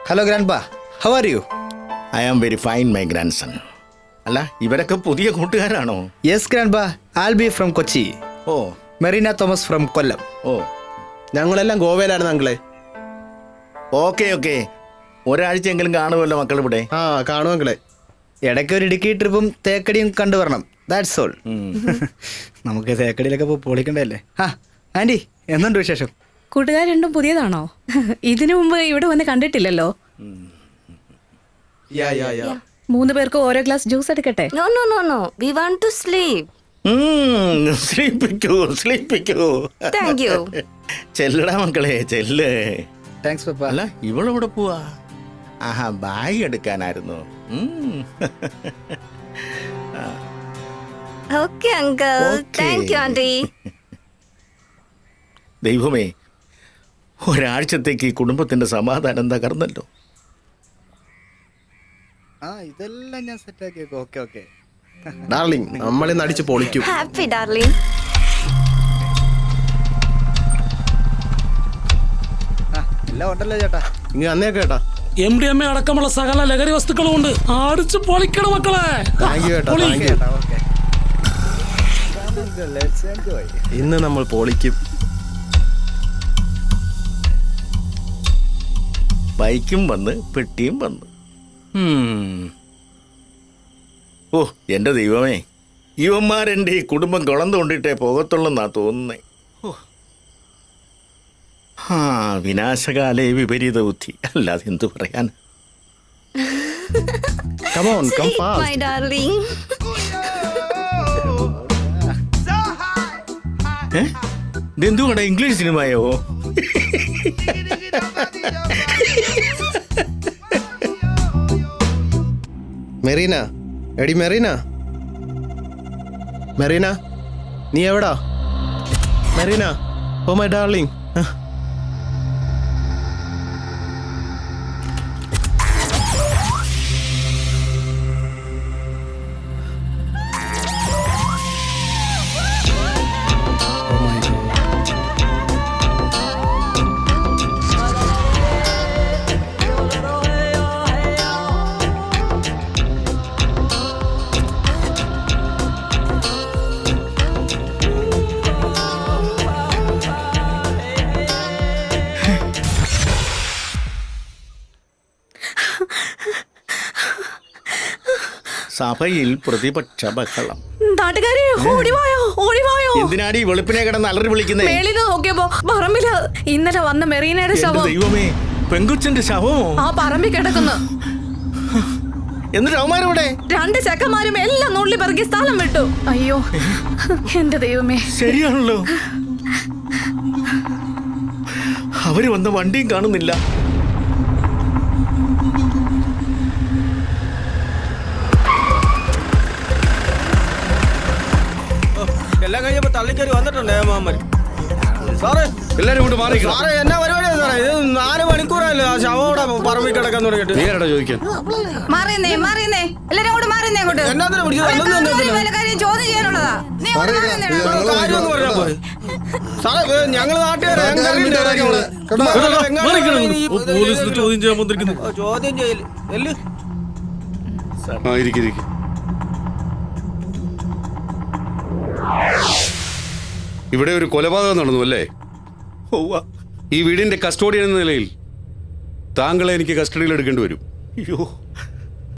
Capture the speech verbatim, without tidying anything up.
Hello grandpa, how are you? I am very fine my grandson. അല്ല, ഇവരൊക്കെ പുതിയ കൂട്ടുകാരാണോ? Yes grandpa, Albi from Kochi. Oh, Marina Thomas from Kollam. ഓ, ഞങ്ങളെല്ലാം ഗോവയിലായിരുന്നു അങ്കിളെ. Okay okay. ഒരാഴ്ചയെങ്കിലും കാണുമല്ലോ മക്കൾ ഇവിടെ. ആ കാണും അങ്കിളെ. ഇടയ്ക്ക് ഒരു ഇടുക്കി ട്രിപ്പും തേക്കടിയും കണ്ടുവരണം. That's all. നമുക്ക് തേക്കടിയിലൊക്കെ പോയി പൊളിക്കണ്ടല്ലേ. ആ ആൻറ്റി, എന്തുണ്ട് വിശേഷം? കൂട്ടുകാർ രണ്ടും പുതിയതാണോ? ഇതിനു മുമ്പ് ഇവിടെ വന്ന് കണ്ടിട്ടില്ലല്ലോ. യാ യാ യാ. മൂന്ന് പേർക്ക് ഓരോ ഗ്ലാസ് ജ്യൂസ് എടുക്കട്ടെ? No, no, no, no. We want to sleep. സ്ലീപ്പിക്കൂ സ്ലീപ്പിക്കൂ. Thank you. ചെല്ലടാ മക്കളെ, ചെല്ല്. Thanks papa. അല്ല, ഇവളെവിടെ പോവാ? ആഹാ, ബാഗ് എടുക്കാനായിരുന്നു. ഉം. Okay, uncle. Okay. Thank you, auntie. ദൈവമേ, ഒരാഴ്ചത്തേക്ക് ഈ കുടുംബത്തിന്റെ സമാധാനം തകർന്നല്ലോ. ആ ഇതെല്ലാം ഞാൻ സെറ്റാക്കി വെക്കും. Okay okay. ഡാർലിംഗ്, നമ്മളിന്ന് അടിച്ച് പൊളിക്കും. Happy, darling. ആ എല്ലാം ഉണ്ടല്ലോ ചേട്ടാ. ഇങ്ങ് അന്നേ കേട്ടാ. എം ഡി എം എ അടക്കമുള്ള സകല ലഹരി വസ്തുക്കളും ഉണ്ട്. അടിച്ച് പൊളിക്കണം മക്കളെ. താങ്ക് യു കേട്ടോ, താങ്ക് യു. ഇന്ന് നമ്മൾ പൊളിക്കും. ബൈക്കും വന്ന് പെട്ടിയും വന്ന്. ഉം. ഓ എൻ്റെ ദൈവമേ, ഇവന്മാരെൻ്റെ ഈ കുടുംബം കുളം തോണ്ടിട്ടേ പോകത്തുള്ളെന്നാ തോന്നുന്നേ. ഓ, ആ വിനാശകാലേ വിപരീത ബുദ്ധി, അല്ലാതെ എന്തു പറയാൻ. Come on, come Sleep, fast. my darling. ഏ ഇതെന്തുകൊണ്ടാ ഇംഗ്ലീഷ് സിനിമയോ? മെറീന, എടി മെറീന, മെറീന, നീ എവിടാ? Marina, oh my darling. സഭയിൽ പ്രതിപക്ഷ ബഹളം. നാട്ടുകാരെ ഓടിവായോ ഓടിവായോ. എന്തിനാടി വെളുപ്പിനെ കിടന്ന് അലറി വിളിക്കുന്നേ? മേളില് നോക്കിയപ്പോ പറമ്പില് ഇന്നലെ വന്ന മെറീനയുടെ എന്റെ ശവം. ദൈവമേ, പെങ്കുച്ചന്റെ ശവമോ? ആ പറമ്പിൽ കിടക്കുന്നു. എന്നിട്ട് അവന്മാരെവിടെ? രണ്ട് ചെക്കന്മാരും എല്ലാം നുള്ളി പെറുക്കി സ്ഥലം വിട്ടു. അയ്യോ എന്റെ ദൈവമേ. ശരിയാണല്ലോ, അവര് വന്ന വണ്ടിയും കാണുന്നില്ല. എല്ലാം കഴിഞ്ഞപ്പോ തള്ളിക്കറി വന്നിട്ടുണ്ട് ഏമാമൻ. സാറേ എല്ലാരും കൊണ്ട് മാറി. സാറേ എന്നാ പരിപാടിയാണ് സാറേ? ഇത് നാല് മണിക്കൂറല്ലേ ആ ശവോടെ പറമ്പിൽ കിടക്കാൻ തുടങ്ങിയിട്ട്. നീരാടാ ചോദിക്കാൻ? മാറിയുന്നേ മാറിയുന്നേ എല്ലാരും കൂടെ മാറിയുന്നേ അങ്ങോട്ട്. എന്നാത്തിനാ പിടിച്ചത്? അതൊന്നും എന്തിനാ? വല്ല കാര്യം ചോദ്യം ചെയ്യാനുള്ളതാ. നീ അങ്ങോട്ട് മാറിയുന്നേ. കാര്യമൊന്നും പറഞ്ഞാ പോരെ. സാറേ ഞങ്ങള് നാട്ടുകാരെ പോലീസിന് ചോദ്യം ചെയ്യാൻ വന്നിരിക്കുന്നു. ചോദ്യം ചെയ്യല് എല്ല്. ആ ഇരിക്കും ഇരിക്കും. ഇവിടെ ഒരു കൊലപാതകം നടന്നു അല്ലേ? ഈ വീടിന്റെ കസ്റ്റോഡിയൻ എന്ന നിലയിൽ താങ്കളെ എനിക്ക് കസ്റ്റഡിയിൽ എടുക്കേണ്ടി വരും. അയ്യോ,